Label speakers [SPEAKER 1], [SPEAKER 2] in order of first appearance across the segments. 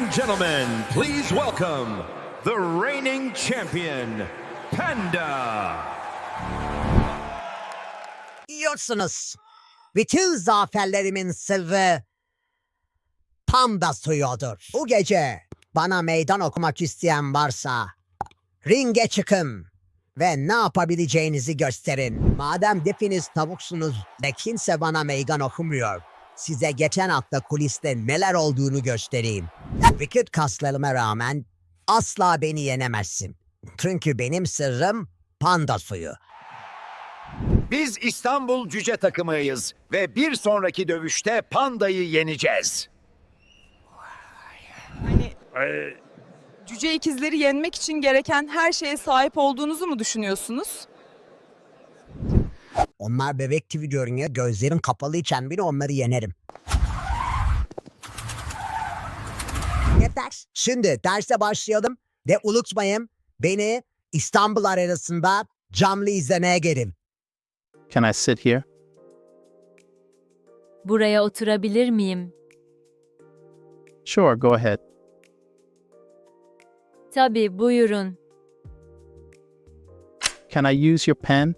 [SPEAKER 1] and gentlemen, please welcome the reigning champion, Panda.
[SPEAKER 2] Yiyorsunuz. Bütün zaferlerimin sırrı panda suyudur. Bu gece bana meydan okumak isteyen varsa ringe çıkın ve ne yapabileceğinizi gösterin. Madem hepiniz tavuksunuz ve kimse bana meydan okumuyor, size geçen hafta kuliste neler olduğunu göstereyim. Vücut kaslarıma rağmen asla beni yenemezsin. Çünkü benim sırrım panda suyu.
[SPEAKER 3] Biz İstanbul Cüce takımıyız ve bir sonraki dövüşte Panda'yı yeneceğiz.
[SPEAKER 4] Hani cüce ikizleri yenmek için gereken her şeye sahip olduğunuzu mu düşünüyorsunuz?
[SPEAKER 2] Onlar bebek gibi görünüyor. Gözlerim kapalıyken bile onları yenerim. Yeter. Şimdi derse başlayalım ve unutmayın beni İstanbul arasında canlı izlemeye gelin.
[SPEAKER 5] Can I sit here?
[SPEAKER 6] Buraya oturabilir miyim?
[SPEAKER 5] Sure, go ahead.
[SPEAKER 6] Tabii, buyurun.
[SPEAKER 5] Can I use your pen?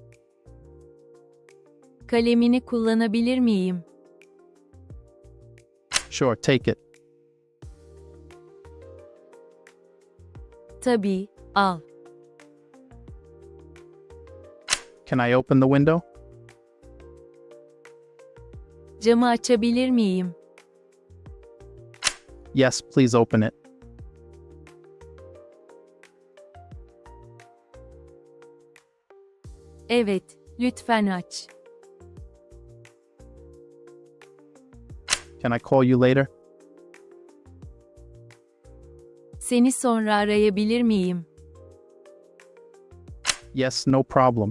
[SPEAKER 6] Kalemini kullanabilir miyim?
[SPEAKER 5] Sure, take it.
[SPEAKER 6] Tabii, al.
[SPEAKER 5] Can I open the window?
[SPEAKER 6] Camı açabilir miyim?
[SPEAKER 5] Yes, please open it.
[SPEAKER 6] Evet, lütfen aç.
[SPEAKER 5] Can I call you later?
[SPEAKER 6] Seni sonra arayabilir miyim?
[SPEAKER 5] Yes, no problem.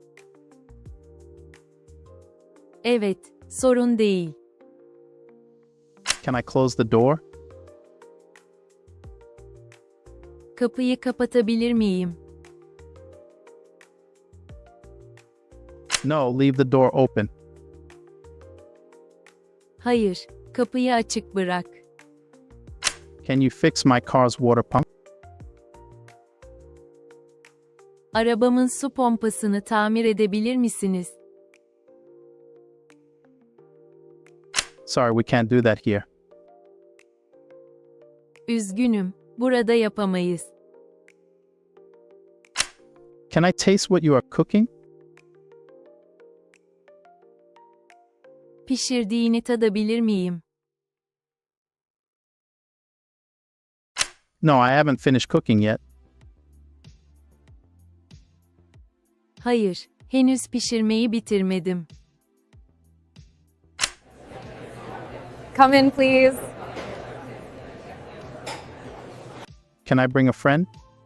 [SPEAKER 6] Evet, sorun değil.
[SPEAKER 5] Can I close the door?
[SPEAKER 6] Kapıyı kapatabilir miyim?
[SPEAKER 5] No, leave the door open.
[SPEAKER 6] Hayır, kapıyı açık bırak.
[SPEAKER 5] Can you fix my car's water pump?
[SPEAKER 6] Arabamın su pompasını tamir edebilir misiniz?
[SPEAKER 5] Sorry, we can't do that here.
[SPEAKER 6] Üzgünüm, burada yapamayız.
[SPEAKER 5] Can I taste what you are cooking?
[SPEAKER 6] Pişirdiğini tadabilir miyim?
[SPEAKER 5] No, I haven't finished cooking yet.
[SPEAKER 6] Hayır, henüz pişirmeyi bitirmedim.
[SPEAKER 7] Come in, please.
[SPEAKER 5] Can I bring a friend?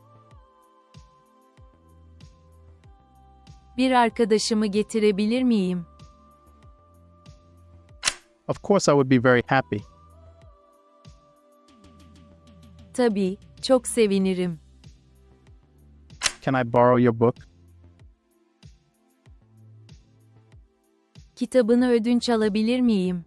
[SPEAKER 6] Bir arkadaşımı getirebilir miyim?
[SPEAKER 5] Of course, I would be very happy.
[SPEAKER 6] Tabii, çok sevinirim.
[SPEAKER 5] Can I borrow your book?
[SPEAKER 6] Kitabını ödünç alabilir miyim?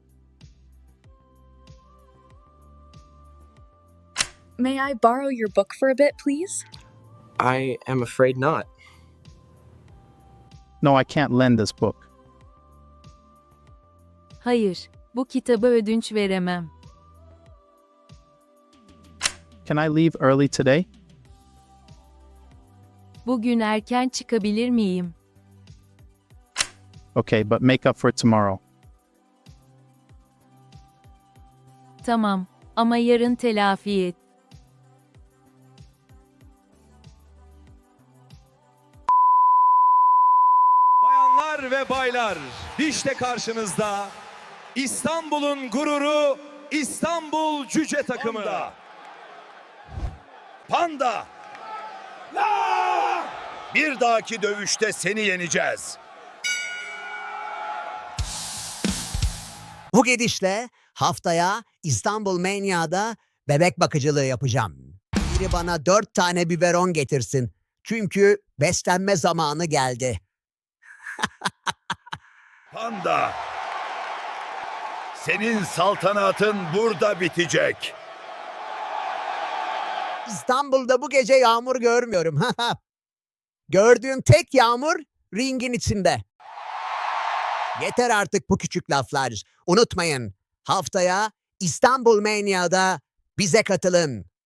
[SPEAKER 7] May I borrow your book for a bit, please?
[SPEAKER 8] I am afraid not.
[SPEAKER 5] No, I can't lend this book.
[SPEAKER 6] Hayır, bu kitabı ödünç veremem.
[SPEAKER 5] Can I leave early today?
[SPEAKER 6] Bugün erken çıkabilir miyim?
[SPEAKER 5] Okay, but make up for it tomorrow.
[SPEAKER 6] Tamam, ama yarın telafi et.
[SPEAKER 1] Bayanlar ve baylar, işte karşınızda İstanbul'un gururu İstanbul Cüce takımı.
[SPEAKER 3] Panda! Bir dahaki dövüşte seni yeneceğiz.
[SPEAKER 2] Bu gidişle haftaya İstanbul Mania'da bebek bakıcılığı yapacağım. Biri bana 4 tane biberon getirsin. Çünkü beslenme zamanı geldi.
[SPEAKER 3] Panda! Senin saltanatın burada bitecek.
[SPEAKER 2] İstanbul'da bu gece yağmur görmüyorum. Gördüğüm tek yağmur ringin içinde. Yeter artık bu küçük laflar. Unutmayın, haftaya İstanbul Mania'da bize katılın.